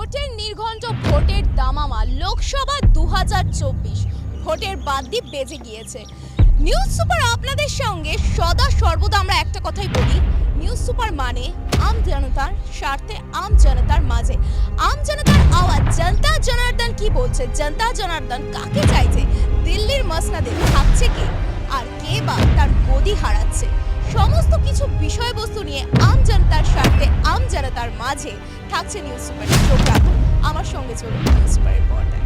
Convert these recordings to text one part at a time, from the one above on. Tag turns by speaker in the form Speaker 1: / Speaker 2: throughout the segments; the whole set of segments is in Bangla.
Speaker 1: ভোটের নির্ঘণ্ট, ভোটের দামামা, লোকসভা 2024 ভোটের বাদ্যি বেজে গিয়েছে। নিউজ সুপার আপনাদের সঙ্গে সদা সর্বদা আমরা একটা কথাই বলি, নিউজ সুপার মানে আম জনতার স্বার্থে, আম জনতার মাঝে, আম জনতার আওয়াজ। জনতা জনার্দন কি বলছে, জনতা জনার্দন কাকে চাইছে, দিল্লির মসনদে থাকছে কে, আর কে বা তার গদি হারাচ্ছে, সমস্ত কিছু বিষয়বস্তু নিয়ে আম জনতার স্বার্থে, আম জনতার মাঝে থাকছে নিউজ সুপার। চোখ রাখুন আমার সঙ্গে, চলুন নিউজ সুপারের পর্দায়।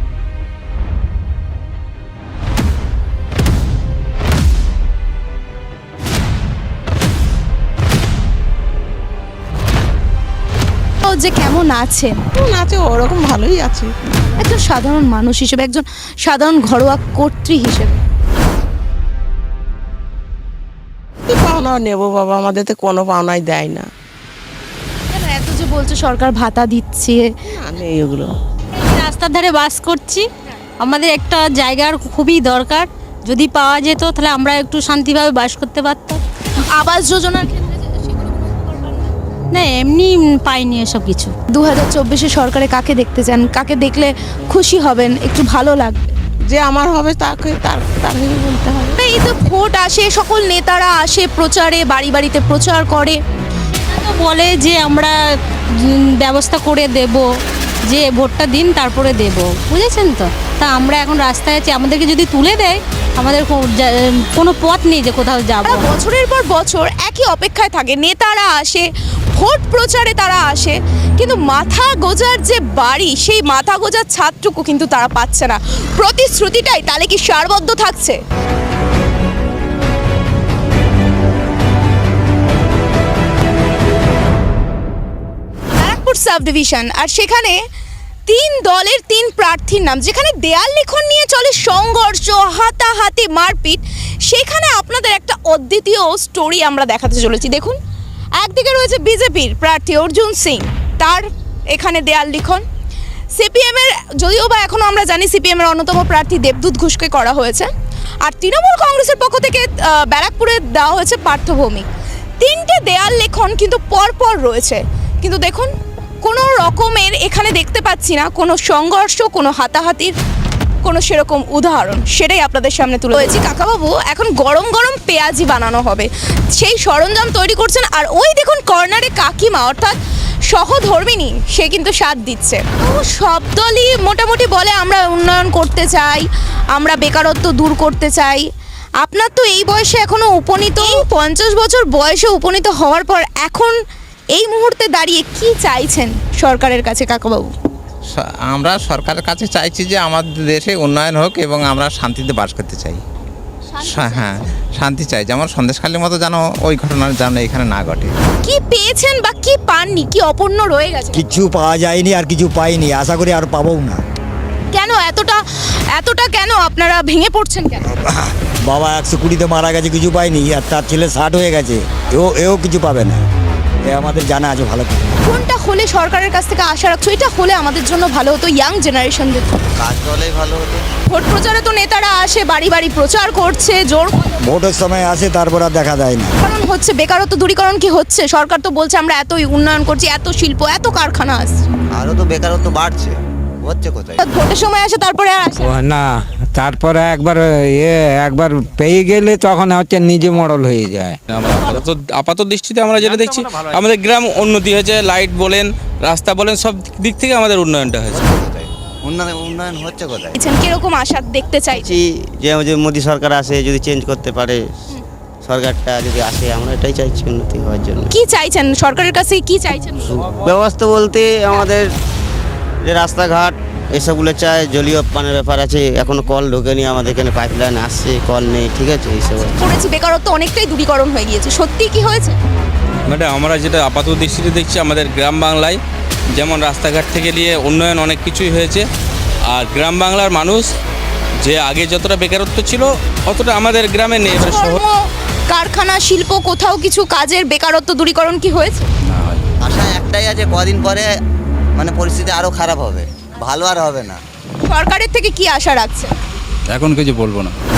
Speaker 1: যে কেমন আছেন?
Speaker 2: আছে ওরকম ভালোই আছে।
Speaker 1: একজন সাধারণ মানুষ হিসেবে, একজন সাধারণ ঘরোয়া কর্ত্রী হিসেবে
Speaker 2: কি পাওনা নেবো বাবা, আমাদের তো কোনো পাওনাই দেয় না।
Speaker 1: কেন এত যে বলছে সরকার ভাতা দিচ্ছে?
Speaker 2: না, নেই ওগুলো।
Speaker 3: রাস্তার ধারে বাস করছি, আমাদের একটা জায়গার খুবই দরকার। যদি পাওয়া যেত তাহলে আমরা একটু শান্তিভাবে বাস করতে পারতাম।
Speaker 1: আবাস যোজনার ক্ষেত্রে সেগুলো কোনো উপকার পান না?
Speaker 3: না, এমনি পাইনি এসব কিছু।
Speaker 1: 2024-এ সরকারে কাকে দেখতে চান, কাকে দেখলে খুশি হবেন, একটু ভালো লাগবে?
Speaker 2: যে আমার হবে তাকে তাকে বলতে হবে।
Speaker 1: এই তো ভোট আসে, সকল নেতারা আসে প্রচারে, বাড়ি বাড়িতে প্রচার করে,
Speaker 3: তো বলে যে আমরা ব্যবস্থা করে দেব, যে ভোটটা দিন তারপরে দেব, বুঝেছেন তো। তা আমরা এখন রাস্তায় আছি, আমাদেরকে যদি তুলে দেয় আমাদের কোনো পথ নেই যে কোথাও যাব।
Speaker 1: তারা বছরের পর বছর একই অপেক্ষায় থাকে, নেতারা আসে, ভোট প্রচারে তারা আসে, কিন্তু মাথা গোজার যে বাড়ি, সেই মাথা গোজার ছাদটুকু কিন্তু তারা পাচ্ছে না। প্রতিশ্রুতিটাই তাহলে কি সারবদ্ধ থাকছে? ব্যারাকপুর সাব ডিভিশন, আর সেখানে 3 দলের 3 প্রার্থীর নাম, যেখানে দেয়াল লিখন নিয়ে চলে সংঘর্ষ, হাতাহাতি, মারপিট, সেখানে আপনাদের একটা অদ্বিতীয় স্টোরি আমরা দেখাতে চলেছি। দেখুন, একদিকে রয়েছে বিজেপির প্রার্থী অর্জুন সিং, তার এখানে দেয়াল লিখন। সিপিএমের, যদিও বা এখনও আমরা জানি সিপিএমের অন্যতম প্রার্থী দেবদূত ঘোষকে করা হয়েছে, আর তৃণমূল কংগ্রেসের পক্ষ থেকে ব্যারাকপুরে দেওয়া হয়েছে পার্থ ভৌমিক। 3টে দেয়াল লেখন কিন্তু পরপর রয়েছে, কিন্তু দেখুন কোনো রকমের এখানে দেখতে পাচ্ছি না কোনো সংঘর্ষ, কোনো হাতাহাতির কোনো সেরকম উদাহরণ। সেটাই আপনাদের সামনে তুলে ধরেছি। কাকাবাবু, এখন গরম গরম পেঁয়াজি বানানো হবে, সেই সরঞ্জাম তৈরি করছেন, আর ওই দেখুন কর্নারে কাকিমা, অর্থাৎ সহধর্মিনী, সে কিন্তু সাথ দিচ্ছে। সব দলই মোটামুটি বলে আমরা উন্নয়ন করতে চাই, আমরা বেকারত্ব দূর করতে চাই। আপনার তো এই বয়সে এখনো উপনীত, 50 বছর বয়সে উপনীত হওয়ার পর এখন এই মুহূর্তে দাঁড়িয়ে কি চাইছেন সরকারের কাছে কাকাবাবু?
Speaker 4: আমরা সরকারের কাছে চাইছি যে আমাদের দেশে উন্নয়ন হোক এবং আমরা শান্তিতে বাস করতে চাই। হ্যাঁ, শান্তি চাই, যেমন সন্দেশখালীর মতো যেন ওই ঘটনা যেন এখানে না ঘটে।
Speaker 1: কি পেয়েছেন বা কি পাননি, কি অপূর্ণ রয়ে গেছে?
Speaker 5: কিছু পাওয়া যায়নি আর কিছু পাইনি, আশা করি আর পাবো না।
Speaker 1: কেন এতটা কেন আপনারা ভেঙে পড়ছেন কেন?
Speaker 5: বাবা 120-তে মারা গেছে, কিছু পাইনি, আর তার ছেলে 60 হয়ে গেছে, এও কিছু পাবে না। এ আমাদের জানা আছে ভালো করে।
Speaker 1: কোনটা হলে সরকারের কাছ থেকে আশা রাখছো এটা হলে আমাদের জন্য ভালো হতো, ইয়াং জেনারেশনদের?
Speaker 4: কাজ হলেই ভালো হতো।
Speaker 1: ভোট প্রচারে তো নেতারা আসে, বাড়ি বাড়ি প্রচার করছে, জোর
Speaker 5: ভোটের সময় আসে, তারপর আর দেখা যায় না।
Speaker 1: কারণ হচ্ছে বেকারত্ব দূরীকরণ কি হচ্ছে? সরকার তো বলছে আমরা এতই উন্নয়ন করছি, এত শিল্প, এত কারখানা আসছে,
Speaker 4: আরও তো বেকারত্ব বাড়ছে, হচ্ছে কোথায়?
Speaker 1: ভোটের সময় আসে তারপরে আর আসে না।
Speaker 6: না, তারপরে একবার পেয়ে গেলে তখন হচ্ছে নিজে মডেল হয়ে যায়।
Speaker 7: আমরা আপাতত দৃষ্টিতে আমরা যেটা দেখছি, আমাদের গ্রাম উন্নতি হয়েছে, লাইট বলেন, রাস্তা বলেন, সব দিক থেকে আমাদের উন্নয়নটা হয়েছে।
Speaker 4: উন্নয়ন হচ্ছে কোথায়?
Speaker 1: কিরকম আশা দেখতে চাইছি?
Speaker 8: যে মোদী সরকার আসে, যদি চেঞ্জ করতে পারে সরকারটা, যদি আসে, আমরা এটাই চাইছি উন্নতি হওয়ার জন্য।
Speaker 1: কি চাইছেন সরকারের কাছে, কি চাইছেন?
Speaker 8: ব্যবস্থা বলতে আমাদের যে রাস্তাঘাট এসবগুলো চাই, জলীয় পানের ব্যাপার আছে, এখনো কল ঢোকেনি, আমাদের এখানে পাইপলাইন আসছে, কল নেই, ঠিক আছে, এইসব
Speaker 1: করেছি। বেকারত্ব অনেকটাই দূরীকরণ হয়ে গিয়েছে, সত্যি কি হয়েছে?
Speaker 7: ম্যাডাম, আমরা যেটা আপাতত দৃষ্টিতে দেখছি, আমাদের গ্রাম বাংলায় যেমন রাস্তাঘাট থেকে নিয়ে উন্নয়ন অনেক কিছুই হয়েছে, আর গ্রাম বাংলার মানুষ যে আগে যতটা বেকারত্ব ছিল অতটা আমাদের গ্রামে নেই।
Speaker 1: কর্ম, কারখানা, শিল্প, কোথাও কিছু কাজের বেকারত্ব দূরীকরণ কি হয়েছে?
Speaker 8: আশা একটাই আছে, কদিন পরে মানে পরিস্থিতি আরও খারাপ হবে, ভালো আর হবে না।
Speaker 1: সরকারের থেকে কি আশা রাখছে?
Speaker 9: এখন কিছু বলবো না।